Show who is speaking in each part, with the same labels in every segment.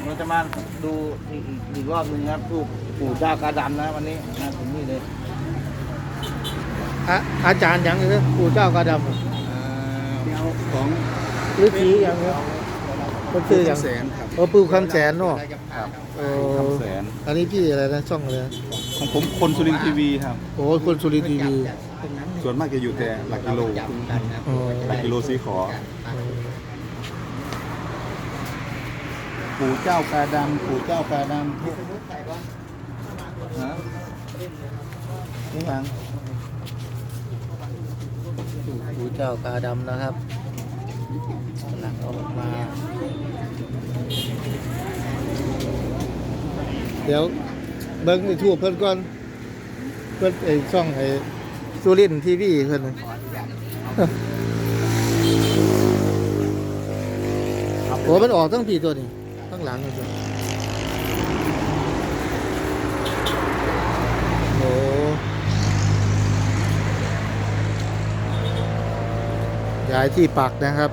Speaker 1: เราจะมาดูอีกรอบหนึ่งครับรูปปู่เจ้ากาดำนะวันนี้นะถึงนี่เลย
Speaker 2: อาจารย์ยังเลยปู่เจ้ากาดำ
Speaker 3: ของ
Speaker 2: หรือผีอย่างเงี้ยมันคืออย่าง
Speaker 3: แสนครับ
Speaker 2: ปู่คำแสนเนาะ
Speaker 3: ครับ
Speaker 1: คำแสน
Speaker 2: อันนี้พี่อะไรนะช่องอะไรนะ
Speaker 3: ของผมคนสุรินทร์ทีวีครับ
Speaker 2: โอ้คนสุรินทร์ทีวี
Speaker 3: ส่วนมากจะอยู่แต่หลักกิโล
Speaker 2: อ๋อ
Speaker 3: หลักกิโลสีขอ ปู่เจ้ากาดำปู่เจ้ากาดำฮะนี่ยัง
Speaker 2: ปู่เจ้ากาดำนะครับหลังออกมา เดี๋ยวเบิ้งไอ้ทั่วเพิ่นก่อนเพิ่นไอ้ช่องไอ้สุรินทร์ทีวีเพิ่นน่ะโอ้มันออกทั้งปีตัวนี้ทั้งหลังเลยตัวโอ้ย้ายที่ปักนะครับ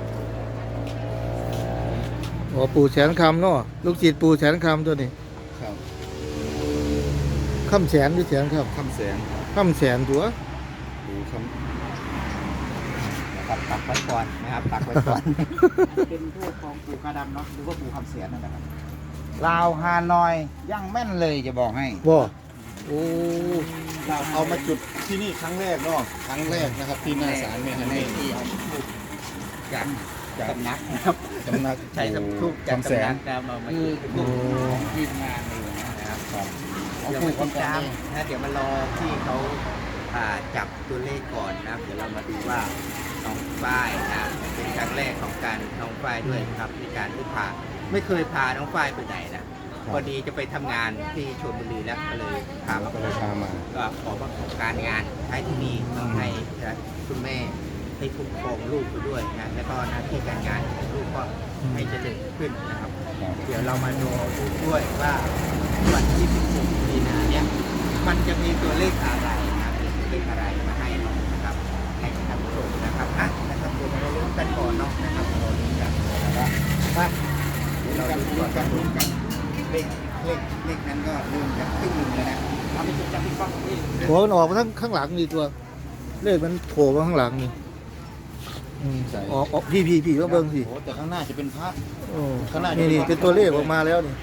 Speaker 2: โอ้ปู่แสนคำเนาะลูกศิษย์ปู่แสนคำตัวนี้
Speaker 3: ครับ
Speaker 2: คำแสนหรือแสนครับ
Speaker 3: คำแสน
Speaker 2: คำแสนตัว
Speaker 3: ปู่ค
Speaker 1: ปักไว้ก่อนนะครับปักไว้ก่อน เป็นทูปของปู่กาดำเนาะหรือว่าปู่คำแสนนั่นแหละครับลาวฮานอยยังแม่นเลยจะบอกให้
Speaker 2: บ่โอ้
Speaker 3: ำเราเอามาจุดที่นี่ครั้งแรกเนาะครั้งแรกนะครับที่หน้าศาลแม่ฮันนี่
Speaker 1: ที่เอาทูปจากสำนักนะครับ
Speaker 3: สำนัก
Speaker 1: ใช้ทูปจาก
Speaker 3: คำแส
Speaker 1: สำนั
Speaker 3: น
Speaker 1: กนะมาคือทูปของทีมงานเลยนะครับ เดี๋ยวมาติดตามนะเดี๋ยวมารอที่เขาจับตัวเลขก่อนนะเดี๋ยวเรามาดูว่าน้องฝ้ายนะเป็นครั้งแรกของการน้องฝ้ายด้วยครับในการที่ไม่เคยพาน้องฝ้ายไปไหนนะพอดีจะไปทำงานที่ชลบุรีแล้วก็เลยพามา
Speaker 3: ก็เลยพามา
Speaker 1: ก็ขอประกอบการงานใช้ที่นี่ต้องให้คุณแม่ให้คุ้มครองลูกไปด้วยนะแล้วก็หน้าที่การงานของลูกก็ให้เจริญขึ้นนะครับ เดี๋ยวเรามาดูด้วยว่าวันที่ 16 มีนาเนี่ยมันจะมีตัวเลขอะไรนะมีตัวเลขอะไรมาให้เรานะครับให้ท่านผู้ชมนะครับนะครับเดี๋ยวเราลุ้นกันก่อนเนาะนะครับเราลุ้นกันนะครับว่าเดี๋ยวเราดูกันเลขนั้นก็เริ่มจะขึ้นแล้วนะเอาไปจุดจับพี่ป้องนี่
Speaker 2: หัวมันออกมาทั้งข้างหลังนี่ตัวเลขมันโผล่มาข้างหลังนี่ออกพี่ก็เบิ่งสิ
Speaker 3: โอ้แต่ข้างหน้าจะเป็นพระ
Speaker 2: โอ้นี่เป็นตัวเลขออกมาแล้วนี่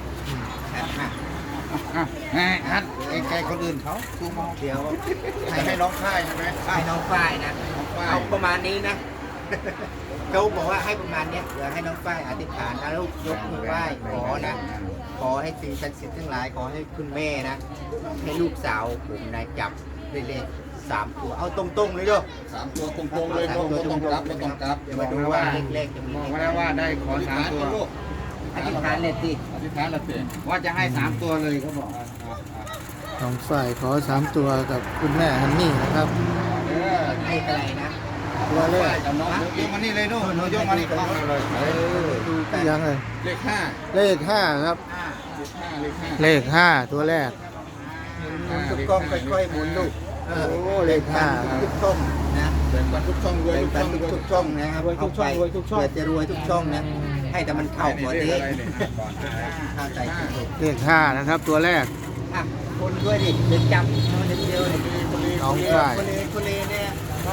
Speaker 3: ฮัทไกลๆคนอื่นเขา
Speaker 1: ดูมองเดี๋ยว
Speaker 3: ให้น้องค่ายใช่ไหม
Speaker 1: ให้น้องฝ้ายนะ
Speaker 3: น้องฝ้าย
Speaker 1: เอาประมาณนี้นะเขาบอกว่าให้ประมาณเนี้ยเดี๋ยวให้น้องฝ้ายอธิษฐานแล้วยกมือไหว้ขอนะ ขอให้สิ่งศักดิ์สิทธิ์ทั้งหลายขอให้คุณแม่นะให้ลูกสาวผมนะจับได้เลข3 ตัวเอาตรงๆเลยด้วย
Speaker 3: 3 ตัวตรงๆเลยไม่ต้องกลับไม่ต้องกลับ
Speaker 1: เดี๋ยวมาดูว่าเลขจะมี
Speaker 4: บอกไว้แล้วว่าได้ขอ3 ตัว
Speaker 1: อธิษฐานเลยสิ
Speaker 3: อธิษฐานละเตะ
Speaker 4: ว่าจะให้3 ตัวเลยเขาบอก
Speaker 2: น้องฝ่ายขอ3 ตัวกับคุณแม่ฮันนี่นะครับ
Speaker 1: เลขอะไรนะ
Speaker 2: ตัวเลข
Speaker 3: กับน้องยกมานี่เลยนู่นยกมานี่กล้องเลย
Speaker 1: ดูกัน
Speaker 2: ยังไง
Speaker 3: เลข5
Speaker 2: เลข5ครับ
Speaker 3: เลข5
Speaker 2: เลข5ตัวแรก
Speaker 1: หมุนทุกกล้องค่อยๆหมุนลูก
Speaker 2: โอ้เลข5ครับ
Speaker 1: ทุกช่องนะ
Speaker 3: แบ่งปันทุกช่องรวย
Speaker 1: แบ่ง
Speaker 3: ทุก
Speaker 1: ปั
Speaker 3: ช่อน ง
Speaker 1: ทุกช่องนะครับเอาไปเพื่อจะรวยทุกช่องนะให้แต่มันเข้าก่อน
Speaker 3: เล
Speaker 1: นี้
Speaker 3: ขอะไรเนี่ยก่อน
Speaker 1: เข้าใจถูก
Speaker 2: เลข5นะครับตัวแรก
Speaker 1: คนด้วยดิเดินจับเดินเดียวเลย
Speaker 2: น้องฝ่าย
Speaker 1: คนเลเนี่ยก็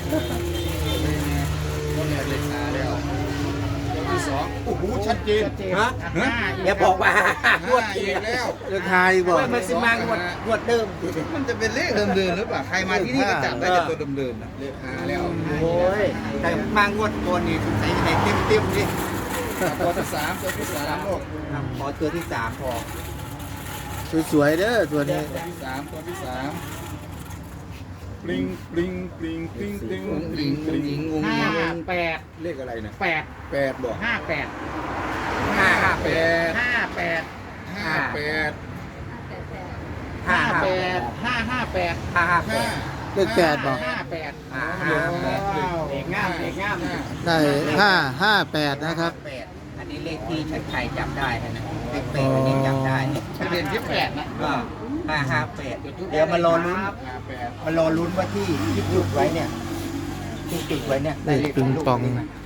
Speaker 3: คนเนี่ยเลข5แล้วตัวที่2โอ้โหชัดเจน
Speaker 1: ฮะอย่าบอกว่า
Speaker 3: งวดอีกแล้ว
Speaker 2: เลข5อีกบ่
Speaker 1: มันสิมางวดเดิม
Speaker 3: มันจะเป็นเลขเดิมๆหรือเปล่าใครมาที่นี่ก็จับได้แต่ตัวเดิมๆนะเลข5แล้ว
Speaker 1: โอ้ยแต่มางวดก่อนนี่สงสัยจะได้เต็มๆดิ
Speaker 3: ตัวที่3ลูก
Speaker 1: ขอตัวที่3พอ
Speaker 2: สวยๆเด้อตัวนี้
Speaker 3: ตัวที่3ปริงปริงปริงปริงปริงปริงปริง
Speaker 4: 58
Speaker 3: เลขอะไรนะ
Speaker 4: 8
Speaker 3: 8บอก
Speaker 4: 58
Speaker 3: 58
Speaker 4: 58
Speaker 3: 58
Speaker 4: 58 558
Speaker 1: 558
Speaker 2: เลข8บ่
Speaker 4: 58
Speaker 1: เด็กงาม
Speaker 2: ได้558นะครับ
Speaker 1: อันนี้เลขที่ชัดชัยจับได้นะเลข8อันนี้จับได้
Speaker 4: ทะเบียนที่8นะ
Speaker 1: ก็558เดี๋ยวมารอลุ้นว่าที่จุดไว้เนี่ยที่จุดไว้เนี่ย
Speaker 2: เลขปิงปอง
Speaker 1: ได้เลข